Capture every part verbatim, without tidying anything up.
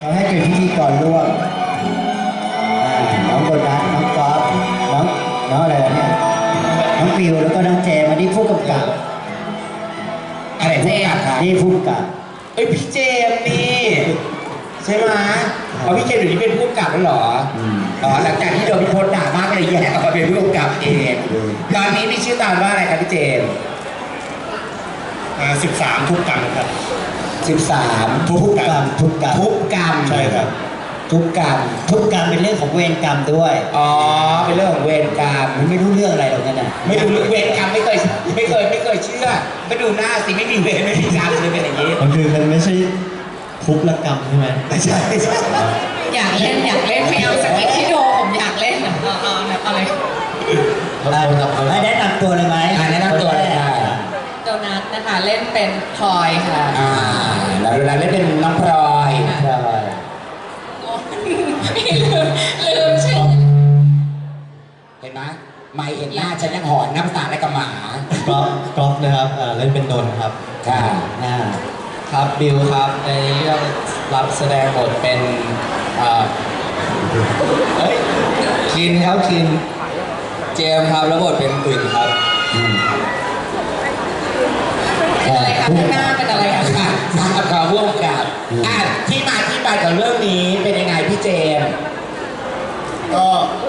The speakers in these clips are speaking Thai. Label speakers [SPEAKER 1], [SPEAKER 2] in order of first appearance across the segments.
[SPEAKER 1] ขอให้เป็นพิธีกรร่วมน้องโบนัสน้องก๊อฟน้องน้องอะไรเนี่ยน้องปิวแล้วก็น้องแจมาที่ผู้กำกับ
[SPEAKER 2] อะไรเจมครับ
[SPEAKER 1] นี่ผู้กำกับ
[SPEAKER 2] เอ้ยพี่เจมนี่ใช่ไหมเพราะพี่เจมเดี๋ยวนี้เป็นผู้กำกับแล้วเหรออ๋อหลังจากที่โดนพี่พจน์ด่ามากเลยแย่ออกมาเป็นผู้กำกับเองตอนนี้มีชื่อตามว่าอะไรครับพี่เจม
[SPEAKER 3] สิบสามทุกกรรมครับ
[SPEAKER 2] สิบสาม
[SPEAKER 1] ทุกกรรมทุกกรรม
[SPEAKER 2] ทุกกรรม
[SPEAKER 3] ใช่ครับ
[SPEAKER 2] ทุกกรรม
[SPEAKER 1] ทุกกรรมเป็นเรื่องของเวรกรรมด้วย
[SPEAKER 2] อ๋อเป็นเรื่องของเวรกรรม
[SPEAKER 1] ไม่รู้เรื่องอะไรหรอกนะ
[SPEAKER 2] ไม่รู้เรื่องเวรกรรมไม่เคยไม่เคยไม่เคยเชื่อไปดูหน้าสิไม่มีเวรไม่มีกรรมเลยเป็นอย่างนี้
[SPEAKER 3] มันคือมันไม่ใช่ทุกละกรรมใช่ไหม
[SPEAKER 2] ไม่ใช่ไม่ใช่
[SPEAKER 4] อยากเล่นอยากเล่นไม่เอาสกิทที่โดผมอยากเล่นเอาเอาเอาเลย
[SPEAKER 1] ให้แนะนำตัวเลยไหม
[SPEAKER 2] แนะนำตัวเลยค่ะ
[SPEAKER 4] โดนัทนะคะเล่นเป็นพลอยค่ะ
[SPEAKER 2] อ่าแล้วโดนัทเล่นเป็นน้องพลอย
[SPEAKER 1] พลอย
[SPEAKER 4] ลืมลืมชื่อ
[SPEAKER 2] เห็นไหมไม่เห็นหน้าฉันยังหอนน้ำตาและกระหม่
[SPEAKER 3] กอล์ฟกอล์ฟนะครับเล่นเป็นนนท์ครับ
[SPEAKER 2] ค่ะ
[SPEAKER 1] น่า
[SPEAKER 3] ครับบิวครับในเรื่องรับแสดงบทเป็นเอ้ยคินครับคินเจมครับแล้วบทเป็นอื่นครับ
[SPEAKER 4] เป็นอะไรคะข้างหน้าเป็นอะไรคะ
[SPEAKER 2] ค่ะทางกับเขาร่วมกับอ่ะที่มาที่ไปของเรื่องนี้เป็นยังไงพี่เจม
[SPEAKER 3] ก็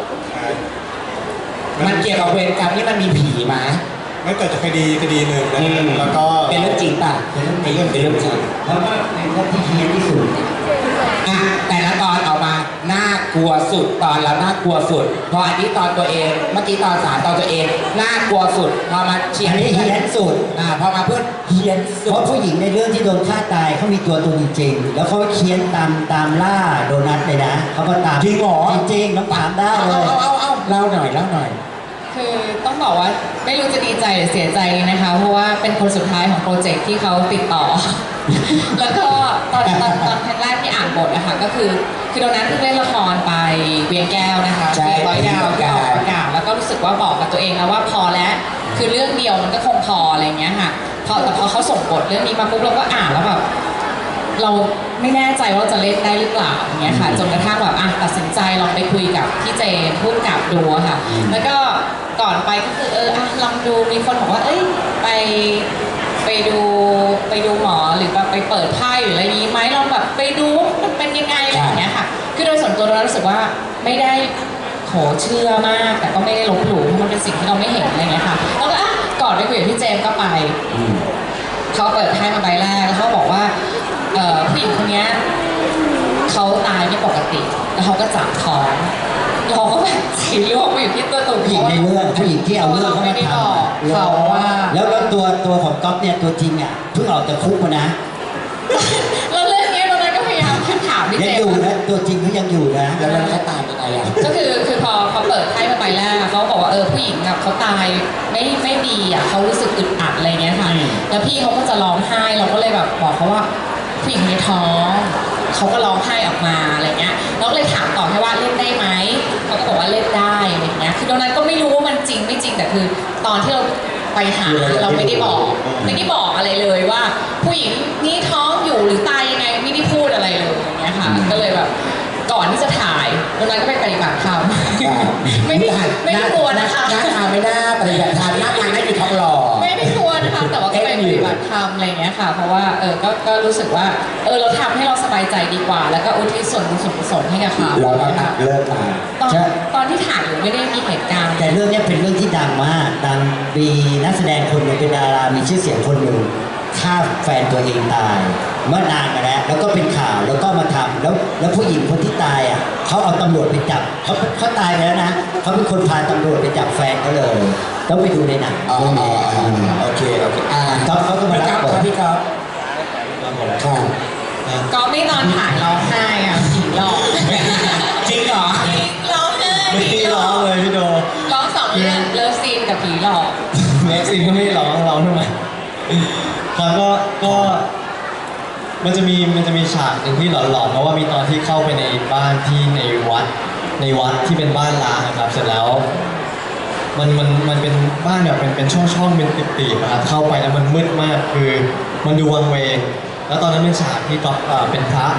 [SPEAKER 2] มันเกี่ยวกับเวรกรรมที่มันมีผีไหม
[SPEAKER 3] ไม่เกิดจากคดีคดีหนึ่งนะแล้วก็
[SPEAKER 2] เป็นเรื่องจริงป่ะเป็นเรื่องเป็นเรื่องจริง
[SPEAKER 1] แล้วก็เป็นเรื่องที่เฮี้ยนที่สุด
[SPEAKER 2] อ่ะแต่ละตอนออกมาน่ากลัวสุดตอนแล้วน่ากลัวสุดพออันนี้ตอนตัวเองเมื่อกี้ตอนสามตอนตัวเองน่ากลัวสุดพอมาเชียร์
[SPEAKER 1] นี้เฮี้ยนสุด
[SPEAKER 2] อ่าพอมาเพื่อนเฮี้ยนสุด
[SPEAKER 1] เพราะผู้หญิงในเรื่องที่โดนฆ่าตายเขามีตัวตนจริงๆแล้วเขาเคี้ยนตามตามล่าโดนัทเลยนะเขาก็ตาม
[SPEAKER 2] จริงเหรอ
[SPEAKER 1] จริงๆน้องถามได้เลย
[SPEAKER 2] เอาเอาเอาเล่าหน่อยเล่าหน่อย
[SPEAKER 4] คือต้องบอกว่าไม่รู้จะดีใจหรือเสียใจนะคะเพราะว่าเป็นคนสุดท้ายของโปรเจกต์ที่เขาติดต่อแล้วก็ตอนตอนตอนครั้งแรกที่อ่านบทนะคะก็คือคือตอนนั้นเพิ่งเล่นละครไปเวียงแก้วนะคะที่ร้อยดาวที่ออกประกาศแล้วก็รู้สึกว่าบอกกับตัวเองแล้วว่าพอแล้วคือเรื่องเดียวมันก็คงพออะไรเงี้ยค่ะพอแต่พอเขาส่งบทเรื่องนี้มาปุ๊บเราก็อ่านแล้วแบบเราไม่แน่ใจว่าจะเล่นได้หรือเปล่าอย่างเงี้ยค่ะจนกระทั่งแบบอ่ะตัดสินใจลองไปคุยกับพี่เจนพูดกับดูค่ะแล้วก็ก่อนไปก็คือเอออ่ะลองดูมีคนบอกว่าเอ้ยไปไปดูไปดูหมอหรือแบบไปเปิดไพ่หรืออะไรนี้ไหมลองแบบไปดูมันเป็นยังไงอะไรอย่างเงี้ยค่ะคือโดยส่วนตัวเรารู้สึกว่าไม่ได้โหเชื่อมากแต่ก็ไม่ได้ลบหลู่เพราะมันเป็นสิ่งที่เราไม่เห็นอะไรเงี้ยค่ะแล้วก็อ่ะก่อนไปคุยกับพี่เจมก็ไปเขาเปิดไพ่มาใบแรกแล้วเขาบอกว่าผู้หญิงคนนี้เขาตายไม่ปกติแล้วเขาก็จับท้องเราก็แบบสีลวกไปอยู่ที่ตัวตุ่ม
[SPEAKER 1] ผู้หญิงในเรื่องผู้หญิงที่เอาเรื่องเขามาทำ
[SPEAKER 4] เขาว่า
[SPEAKER 1] แล้วแล้วตัวตัวของก๊อฟเนี่ยตัวจริงอ่ะเพิ่งออกจากคุกมานะ
[SPEAKER 4] แล้วเรื่องนี้เราก็พยายามถามพี่เจม
[SPEAKER 1] ยังอยู่นะตัวจริงเขายังอยู่นะ
[SPEAKER 2] แล้วมันเขาตายยังไงอ่ะ
[SPEAKER 4] ก็คือคือพอเขาเปิดไพ่มาใบแรกเขาบอกว่าเออผู้หญิงแบบเขาตายไม่ไม่ดีอ่ะเขารู้สึกอึดอัดอะไรเงี้ยค่ะแล้วพี่เขาก็จะร้องไห้เราก็เลยแบบบอกเขาว่าผู้หญิงในท้องเขาก็ร้องไห้ออกมาอะไรเงี้ยเราก็เลยถามต่อให้ว่าเล่นได้ไหมเขาก็บอกว่าเล่นได้อะไรเงี้ยคือตอนนั้นก็ไม่รู้ว่ามันจริงไม่จริงแต่คือตอนที่เราไปหาเราไม่ได้บอกไม่ได้บอกอะไรเลยว่าผู้หญิงนี่ท้องอยู่หรือตายยังไงไม่ได้พูดอะไรเลยอย่างเงี้ยค่ะก็เลยแบบก่อนที่จะถ่ายตอนนั้นก็ไปปฏิบัติธรรมไม่ได้ไม่ได้กลัวนะคะ
[SPEAKER 2] หน้าตาไม่น่าปฏิบัติธรรมหน้าตาไม่อยู่ท้องหล่อ
[SPEAKER 4] ไม่ได้กลัวนะคะแต่ว่าก็ไปปฏิบัติธรรมอะไรเงี้ยค่ะเพราะว่าเออก็ก็รู้สึกว่าเออเราทำให้เราสบายใจดีกว่าแล้วก็อุทิศส่วนบุญส่วนกุศลให้กับเขา
[SPEAKER 2] เราก็ตัดเลิกมา
[SPEAKER 4] ตอนตอนที่ถ่ายอยู่ไม่ได้มีเหตุการณ์
[SPEAKER 1] แต่เรื่องนี้เป็นเรื่องที่ดังมากดังมีนักแสดงคนหนึ่งเป็นดารามีชื่อเสียงคนหนึ่งฆ่าแฟนตัวเองตายเมื่อนานมาแล้วแล้วก็เป็นข่าวแล้วก็มาทำแล้วแล้วผู้หญิงคนที่ตายอ่ะเขาเอาตำรวจไปจับเขาเขาตายไปแล้วนะเขาเป็นคนพาตำรวจไปจับแฟนเขาเลยต้องไปดูในหนัง
[SPEAKER 2] อ๋อโอเคโอเคอ่า
[SPEAKER 1] ก็เขาก็มารับบท
[SPEAKER 2] พี่ก๊อฟค่ะ
[SPEAKER 4] ก็ไม่นอนถ่ายร้องไห้อ่ะผีหลอก
[SPEAKER 2] จริงเหรอ
[SPEAKER 4] ร้องไห้
[SPEAKER 3] ไม่ร้องเลยพี่โด
[SPEAKER 4] ร้องสองเรื่องเลิฟซีนกับผีหลอก
[SPEAKER 3] เลิฟซีนก็ไม่ร้องร้องทำไมครับก็ก็มันจะมีมันจะมีฉากหนึ่งที่หลอนๆเพราะว่ามีตอนที่เข้าไปในบ้านที่ในวัดในวัดที่เป็นบ้านร้างนะครับเสร็จแล้วมันมันมันเป็นบ้านแบบเป็นเป็นช่องช่องเป็นตีบๆนะครับเข้าไปแล้วมันมืดมากคือมันดูวังเวงแล้วตอนนั้นเป็นฉากที่ก๊อฟเป็นพระ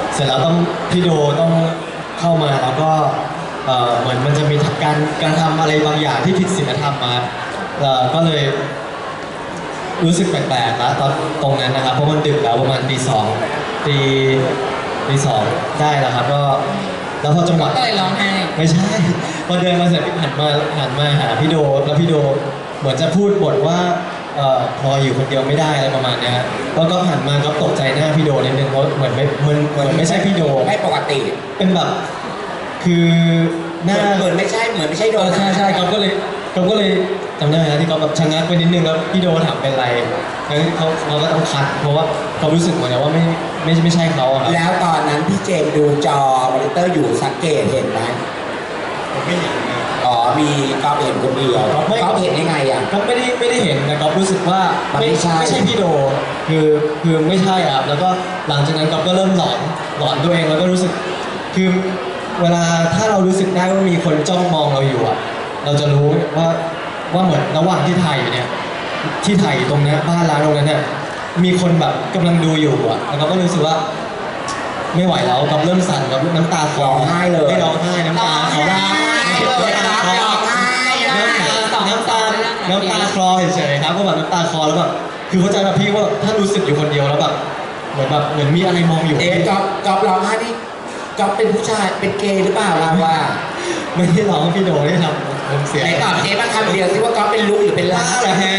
[SPEAKER 3] เสร็จแล้วต้องพี่โดต้องเข้ามาแล้วก็เอ่อเหมือนมันจะมีการการทำอะไรบางอย่างที่ผิดศีลธรรมมาเอ่อก็เลยรู้สึกแปลกๆแล้วตอนตรงนั้นนะครับเพราะมันดึกแล้วประมาณตีสองตีตีสองได้แล้วครับก็แล้วพอจังหวะ
[SPEAKER 4] ก็เลยร้องไห้
[SPEAKER 3] ไม่ใช่ พอเดินมาเสร็จหันมาหันมาหาพี่โดแล้วพี่โดเหมือนจะพูดบทว่าเอ่อพออยู่คนเดียวไม่ได้อะไรประมาณเนี้ยแล้วก็หันมาก็ตกใจหน้าพี่โดนิดนึงเพราะเหมือนไม่เหมือนเหมือนไม่ใช่พี่โด
[SPEAKER 2] ไม่ปกติ
[SPEAKER 3] เป็นแบบคือห
[SPEAKER 2] เหมื
[SPEAKER 3] น้า
[SPEAKER 2] อนเหมือนไม่ใช่เหมือนไม่ใช่โด
[SPEAKER 3] เอน อใช่ใช่ก๊อฟก็เลยก๊อฟก็เลยจำได้นะที่ก๊อฟแบบชะงักไปนิดนึงแล้วพี่โดถามเป็นไรแล้วเขาเขาก็ต้องคัดเพราะว่าเขารู้สึกเหมือนกับว่าไม่ไม่ไม่ใช่เขาอะครับ
[SPEAKER 2] แล้วตอนนั้นพี่เจมส์ดูจอมอนิเตอร์อยู่สังเกตเห็นไหม
[SPEAKER 3] ผมไม่เห็นนะ
[SPEAKER 2] อ๋อมีก๊อฟเห็นคนเดียว
[SPEAKER 3] ก๊อฟไม่
[SPEAKER 2] ก๊อฟเห็นยังไงอ่ะ
[SPEAKER 3] ก็ไม่ได้ไม่ได้เห็นแต่ก๊อฟรู้สึกว่า
[SPEAKER 2] มันไม่ใช่
[SPEAKER 3] ไม่ใช่พี่โดคือคือไม่ใช่อะครับแล้วก็หลังจากนั้นก๊อฟก็เริ่มหลอนหลอนตัวเองแล้วก็รู้สึกคือเวลาถ้าเรารู้สึกได้ว่ามีคนจ้องมองเราอยู่อะเราจะรู้ว่าว่าเหมือนระหว่างที่ถ่ายอยู่เนี่ยที่ถ่ายอยู่ตรงเนี้ยบ้านร้านตรงนั้นเนี่ยมีคนแบบกำลังดูอยู่อะแล้วก๊อฟก็รู้สึกว่า ไม่ไหวแล้วก๊อฟเริ่มสั่นก๊อฟน้ำตาคลอ
[SPEAKER 2] ร้องไห้เลย
[SPEAKER 3] ไม่ร้องไห้น้ำตาคลอ
[SPEAKER 2] ร้องไห้เลยครับร้องไห้อะ
[SPEAKER 3] น้ำตาน้ำตาน้ำตาคลอเฉยๆครับก็แบบน้ำตาคลอแล้วแบบคือเข้าใจแบบพี่ว่าถ้ารู้สึกอยู่คนเดียวแล้วแบบเหมือนแบบเหมือนมีอะไรมองอยู่
[SPEAKER 2] เอ๊ะก๊อฟก๊อฟร้องไห้นี่ก๊อฟเป็นผู้ชายเป็นเกย์หรือเปล่าเราว่า
[SPEAKER 3] ไม่ได้ร้องพี่โดได้ทำผมเสีย
[SPEAKER 2] ไหนตอบเจ๊มาคำเดียวสิว่าก๊อฟเป็นลูกหรือเป็นล่า
[SPEAKER 3] เหรอฮะ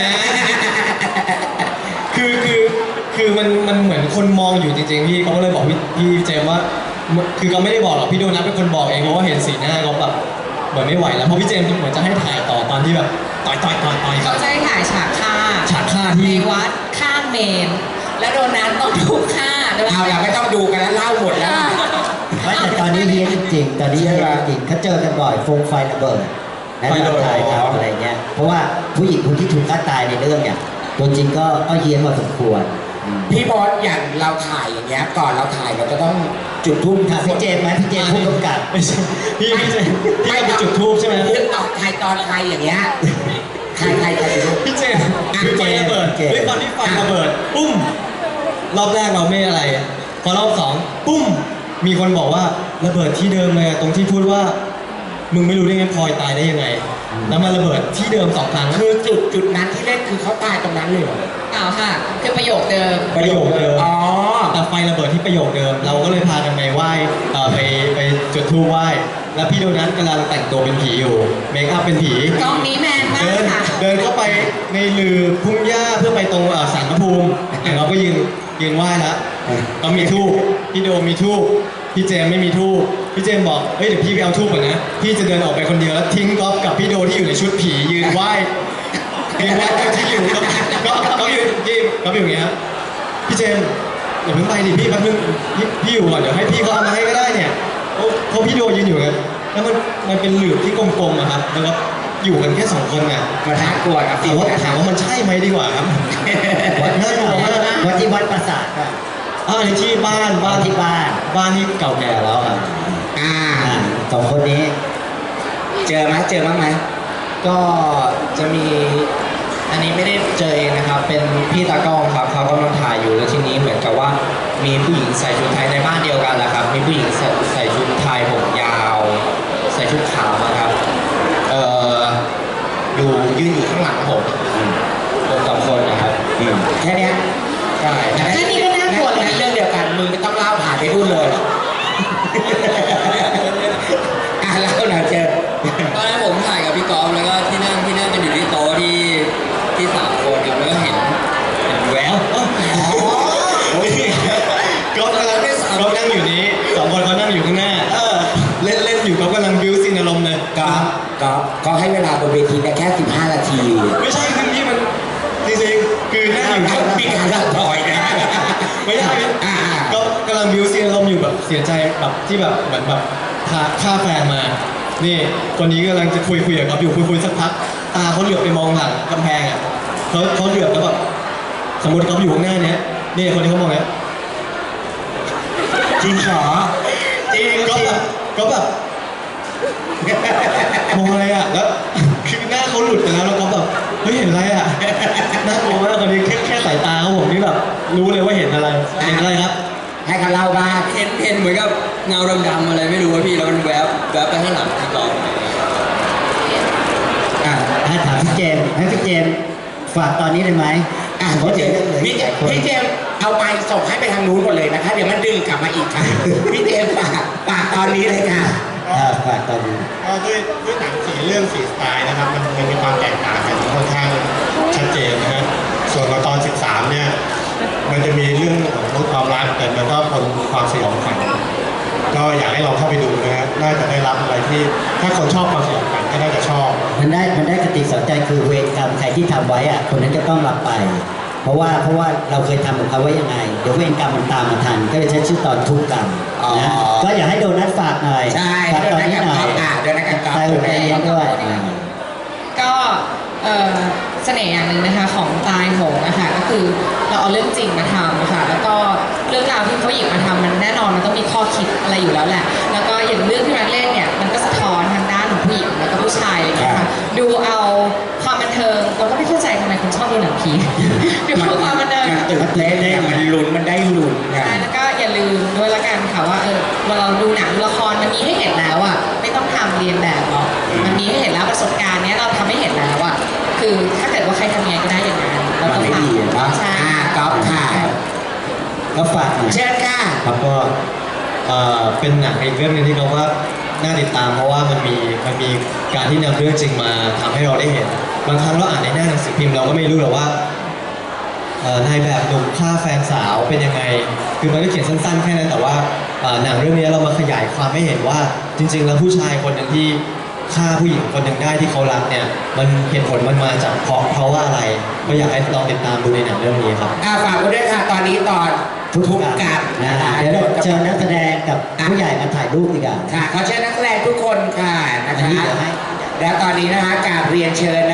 [SPEAKER 3] คือคือคือมันมันเหมือนคนมองอยู่จริงๆพี่เขาก็เลยบอกพี่พี่เจมส์ว่าคือเขาไม่ได้บอกหรอกพี่โดนัทเป็นคนบอกเองเพราะว่าเห็นสีหน้าเขาแบบเหมือนไม่ไหวแล้วเพราะพี่เจมส์เหมือนจะให้ถ่ายต่อตอนที่แบบต่อยต่อยต่อยต่อยครั
[SPEAKER 4] เขา
[SPEAKER 3] บ
[SPEAKER 4] จะให้ถ่ายฉากฆ่า
[SPEAKER 3] ฉากฆ่าที่
[SPEAKER 4] ในวัดข้างเมน แล้วโดนัทต้องถูกฆ่าโดนัท
[SPEAKER 2] เอาล่ะไม่ต้องดูกันแล้วเล่าหมดแล้ว
[SPEAKER 1] ไม่แต่ตอนนี้เฮี้ยนจริงๆตอนนี้เฮี้ยนจริงๆเขาเจอกันบ่อยฟงไฟระเบิดและ
[SPEAKER 3] ไฟระเบิด
[SPEAKER 1] ถ่ายทำอะไรเงี้ย เพราะว่าผู้หญิงคนที่ถูกฆ่าตายในเรื่องเนี่ยตัวจริงก็ก็เฮี้ยนพอสมควรอืม
[SPEAKER 2] พี่บอสอย่างเราถ่ายอย่างเงี้ยก่อนเราถ่ายเราจะต้องจุดธูป
[SPEAKER 1] ถามพี่เจมส์ไหมพี่เจมส์ผู้กำกับ
[SPEAKER 3] ไม่ใช่พี่พี่เจมส์พี่เอาไปจุดทูบใช่ไหม
[SPEAKER 2] เรื่องต่อใครตอนใครอย่างเงี้ยใครใครใครจุดธูป
[SPEAKER 3] พี่เจมส์คือไฟระเบิด
[SPEAKER 1] เจมส์
[SPEAKER 3] ด้วยความที่ไฟระเบิดปุ้มรอบแรกเราไม่อะไร พอรอบสองปุ้มมีคนบอกว่าระเบิดที่เดิมเลยตรงที่พูดว่ามึงไม่รู้ได้ไงพลอยตายได้ยังไง แล้วมาระเบิดที่เดิมสองครั้ง
[SPEAKER 2] คือจุดจุดนั้นที่เล่นคือเขาตายตรงนั้นเลยเหรอ
[SPEAKER 4] เปล่าค่ะ คือประโยคเดิม
[SPEAKER 3] ประโยคเดิม
[SPEAKER 2] อ๋อ
[SPEAKER 3] แต่ไฟระเบิดที่ประโยคเดิม เราก็เลยพากันไปไหว้เอ่อไปไปจุดธูปไหว้ แล้วพี่โดนัทกำลังแต่งตัวเป็นผีอยู่ เมคอัพเป็นผี
[SPEAKER 4] กล้องนี้แมนมา
[SPEAKER 3] เดิ
[SPEAKER 4] ก
[SPEAKER 3] น
[SPEAKER 4] ค่ะ
[SPEAKER 3] เดินเข้าไปในลือพุ่งหญ้าเพื่อไปตรงเอ่อศาลพระภูมิแต่เราก็ยืนยืนไหว้แล้วก็มีทูบพี่โดมีทูบพี่เจมไม่มีทูบพี่เจมบอกเฮ้ยเดี๋ยวพี่ไปเอาทูบก่อนนะพี่จะเดินออกไปคนเดียวแล้วทิ้งก๊อฟกับพี่โดที่อยู่ในชุดผียืนไหว้ยืนไหว้ที่อยู่ก็ก็ก็อยู่ยืนก็อยู่อย่างเงี้ยพี่เจมอย่าเพิ่งไปดิพี่แป๊บนึงพี่พี่อยู่ก่อนเดี๋ยวให้พี่เขาเอามาให้ก็ได้เนี่ยเพราะเพราะพี่โดยืนอยู่ไงแล้วมันมันเป็นหลืบที่กลมๆอะครับแล้วก็อยู่กันแค่สองคนไง
[SPEAKER 2] มันน่ากลัวครับ
[SPEAKER 3] ถามว่าถามว่ามันใช่ไหมดีกว่าครับ
[SPEAKER 1] วัด
[SPEAKER 3] น่ากลัวมาก
[SPEAKER 1] วัดที่วัดปราสาทอะ
[SPEAKER 3] อ่าในที่บ้าน
[SPEAKER 1] บ้า
[SPEAKER 3] บ้านน
[SPEAKER 1] ที่บ้าน
[SPEAKER 3] บ้านที่เก่าแก่แล้วครับ
[SPEAKER 2] อ่า
[SPEAKER 1] อ่าสองคนนี้
[SPEAKER 2] เจอไหมเจอบ้างไหม
[SPEAKER 5] ก็จะมีอันนี้ไม่ได้เจอเองนะครับ เป็นพี่ตากล้องครับเขากำลังถ่ายอยู่แล้วทีนี้เหมือนกับว่ามีผู้หญิงใส่ชุดไทยในบ้านเดียวกันแหละครับ มีผู้หญิงใส่ใส่ชุดไทยผมยาว ใส่ชุดขาวนะครับเอ่ออยู่ยืนอยู่ข้างหลังผมผมสองคนนะครับ
[SPEAKER 2] แค่เนี้ย
[SPEAKER 5] ใช่
[SPEAKER 4] แค่นี้ก็น่ากลัวแล้ว
[SPEAKER 2] นั่นเรื่องเดียวกันมึงไม่ต้องเล่าผ่านไปพูดเลย อ่ะแล้วเราเจอ
[SPEAKER 6] ตอนนั้นผมถ่ายกับพี่กอล์ฟแล้วก็ที่นั่งที่นั่งกันอยู่ที่โต๊ะที่ที่สามคนครับแล้วก็เห็นเห็นแวว
[SPEAKER 3] อ๋อก๊อฟกำลังก๊อฟนั่งอยู่นี้สองคนเขานั่งอยู่ข้างหน้าเออเล่นเล่นอยู่ก๊อฟกำลังบิวซีนอารมณ์เลย
[SPEAKER 2] ก็ก็ก็ให้เวลาบนเวทีเนี่ยแค่สิบห้านาที
[SPEAKER 3] ไม่ใช่คือนี่มันจริงๆคือนั่งอยู่
[SPEAKER 2] มีการเล่าต่อยนะ
[SPEAKER 3] ไม่ใช่
[SPEAKER 2] อ่า
[SPEAKER 3] ก็กำลังบิวซีนอารมณ์อยู่แบบเสียใจแบบที่แบบเหมือนแบบพาฆ่าแฟนมา นี่คนนี้กำลังจะคุยคุยกับก๊อฟอยู่คุยคุยสักพักตาเขาเหลือบไปมองหลังกำแพงอ่ะเขาเขาเหลือบแล้วแบบสมมติก๊อฟอยู่ข้างหน้าเนี้ยนี่คนที่เขามองเนี้ย
[SPEAKER 2] จริงเหรอ
[SPEAKER 3] จริงก็แบบก็แบบมองอะไรอ่ะแล้วคือหน้าเขาหลุดไปแล้วแล้วก็แบบเฮ้ยเห็นอะไรอ่ะน่ากลัวมากคนนี้แค่แค่สายตาของผมนี่แบบรู้เลยว่าเห็นอะไรเห็นอะไรครับ
[SPEAKER 2] ให้เขาเล่าบ้าง
[SPEAKER 6] เห็นเห็นเหมือนกับเงาดำๆอะไรไม่รู้ว่าพี่แล้วมันแวบแวบไปข้างหลังพี่กอล์ฟ
[SPEAKER 2] อ่ะ
[SPEAKER 1] ให้ถามพี่เจมส์ให้พี่เจมส์ฝากตอนนี้เลยไหม
[SPEAKER 2] อ่ะ
[SPEAKER 1] เพราะ
[SPEAKER 2] พี่เจ
[SPEAKER 1] เดี๋ยว
[SPEAKER 2] มส์
[SPEAKER 1] เหลือ
[SPEAKER 2] พี่
[SPEAKER 1] อีก
[SPEAKER 2] เจ
[SPEAKER 1] หลาม ยคน
[SPEAKER 2] ส์พี่เจมส์เอาไมค์ส่งให้ไปทางนู้นหมดเลยนะคะ เดี๋ยวมันดึงกลับมาอีกค่ะ พี่เจมส์ฝากฝากตอนนี้เลยค่ะ
[SPEAKER 1] อ่าฝากตอนนี้
[SPEAKER 7] ก็ด้วยด้วยหนังสีเรื่องสีสไตล์นะครับมันมันมีความแตกต่างกันค่อนข้างชัดเจนนะฮะส่วนกับตอน สิบสาม เนี่ยมันจะมีเรื่องของความรักแต่มันก็ปนความสยองขวัญก็อยากให้ลองเข้าไปดูนะฮะน่าจะได้รับอะไรที่ถ้าคนชอบความสยองขวัญก็น่าจะชอบ
[SPEAKER 1] มันได้มันได้คติสอนใจคือเวรกรรมใครที่ทำไว้อะคนนั้นจะต้องรับไป เพราะว่าเพราะว่าเราเคยทำกับเขาไว้ยังไง เดี๋ยวเวรกรรมมันตามมาทัน ก็เลยใช้ชื่อตอนทุกกรรม
[SPEAKER 2] อ๋อ
[SPEAKER 1] นะก็อยากให้โดนัทฝากหน่อย
[SPEAKER 2] ใช่
[SPEAKER 1] ฝากตอนนี้หน่อย
[SPEAKER 2] โดนัทกับก๊อฟอ่ะโดนัทกับก๊อฟ
[SPEAKER 1] ใช่ใจเย็นด้วยอ่า
[SPEAKER 4] ก็เอ่อเสน่ห์อย่างหนึ่งนะคะของตายโหงนะคะก็คือเราเอาเรื่องจริงมาทำค่ะแล้วก็เรื่องราวที่เขาหยิบมาทำมันแน่นอนมันต้องมีข้อคิดอะไรอยู่แล้วแหละแล้วก็อย่างเรื่องที่มันเล่นเนี่ยมันก็สะท้อนทางด้านของผู้หญิงแล้วก็ผู้ชายอะไรอย่างเงี้ยค่ะดูเอาความบันเทิงเราก็ไม่เข้าใจทำไมคนชอบดูหนังผี ดูเอาความบันเทิง
[SPEAKER 2] มันตื่นเต้นเนี่ยมันลุ้นมันได้ลุ้นค่ะ
[SPEAKER 4] ใช่แล้วก็อย่าลืมด้วยละกันค่ะว่าเออเวลาเราดูหนังดูละครมันมีให้เห็นแล้วอ่ะไม่ต้องทำเรียนแบบหรอกมันมีให้เห็นแล้วประสบการณ์เนี้ยเราทำให้เห็นแล้วอ่ะคือถ้าเกิดว่าใครทำยังไงก็ได้อย่างนั้นเรา
[SPEAKER 2] มัน
[SPEAKER 4] ต้อง
[SPEAKER 2] ไม่
[SPEAKER 4] ท
[SPEAKER 2] ดีเนาะ
[SPEAKER 4] ำใช่
[SPEAKER 2] อ่าก๊อฟค่ะ
[SPEAKER 1] ก็ฝากหน่อย
[SPEAKER 2] เชิญค่ะ
[SPEAKER 3] ครับก็เอ่อเป็นหนังอีกเรื่องหนึงที่เราว่าน่าติดตามเพราะว่ามันมีมันมีการที่นำเรื่องจริงมาทำให้เราได้เห็น บางครั้งเราอ่านในหน้าหนังสือพิมพ์เราก็ไม่รู้หรอกว่าเอ่อนายแบบหนุ่มฆ่าแฟนสาวเป็นยังไง คือมันก็เขียนสั้นๆแค่นั้นแต่ว่าเอ่อหนังเรื่องนี้เรามาขยายความให้เห็นว่าจริง ๆ แล้วผู้ชายคนหนึ่งที่ฆ่าผู้หญิงคนหนึ่งได้ที่เขารักเนี่ยมันเหตุผลมันมาจากเพราะเพราะว่าอะไรก็อยากให้ลองติดตามดูในหนังเรื่องนี้ครับ
[SPEAKER 2] อ่าฝากไว้ด้วยค่ะตอนนี้ตอนทุกกัน
[SPEAKER 1] นะ
[SPEAKER 2] นะคะ
[SPEAKER 1] เดี๋ยวเราเชิญนักแสดงกับผู้ใหญ่มาถ่ายรูปดีกว่า
[SPEAKER 2] ค่ะขอเชิญนักแสดงทุกคนค่ะนะ
[SPEAKER 1] อัน
[SPEAKER 2] คะ
[SPEAKER 1] นี้เดี๋ยวให้
[SPEAKER 2] แล้วตอนนี้นะคะกราบเรียนเชิญ